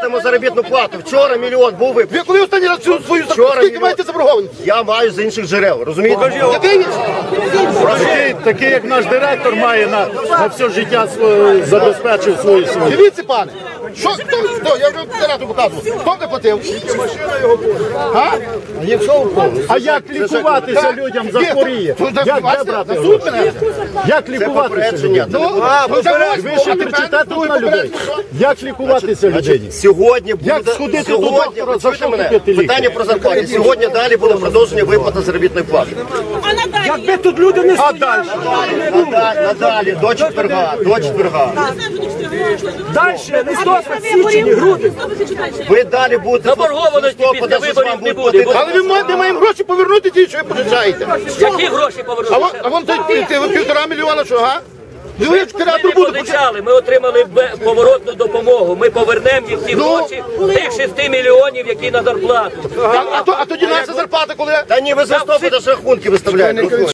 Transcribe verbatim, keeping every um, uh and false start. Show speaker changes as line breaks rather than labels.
платимо заробітну плату. Вчора мільйон був виплачений.
Ви коли останній раз цю свою
Вчора
скільки
мільйон.
маєте заборгованість?
Я маю з інших джерел, розумієте?
Який?
Такий, такий, як наш директор має на, на все життя своє, забезпечив свою сім'ю.
Дивіться, пане. Що, хто, хто? Я вже директору показував. Хто не платив? А?
А як лікуватися людям захворіє? Як де брати
суд
гроші?
мене?
Як лікуватися
попередження.
людям?
Ну, ну, це
Ви ще кричите тут на людей? Як лікуватися людині?
Сьогодні буде...
Як сходити до
сьогодні,
доктора,
ви
за
чуєте
що
мене?
купити ліки?
Питання про зарплату. Сьогодні далі буде продовження виплати заробітної плати.
Якби тут люди не
А далі?
Надалі, надалі, до четверга, до четверга.
далі, листопад, січень, грудень.
Ви далі будете...
Заборгованості після виборів не буде.
Але ви ма- не маємо гроші повернути ті, що ви пожичаєте.
Які гроші
А
повернути?
вон, а вон той, ти, ти, півтора мільйона, що, га? Ви
Ми
креатор
не
буде
позичали, ми отримали бе- поворотну допомогу. Ми повернемо їх ці
Ну?
гроші, тих шести мільйонів, які на зарплату.
А, а, то- а тоді наша зарплата коли?
Та ні, ви з листопада ж рахунки виставляєте.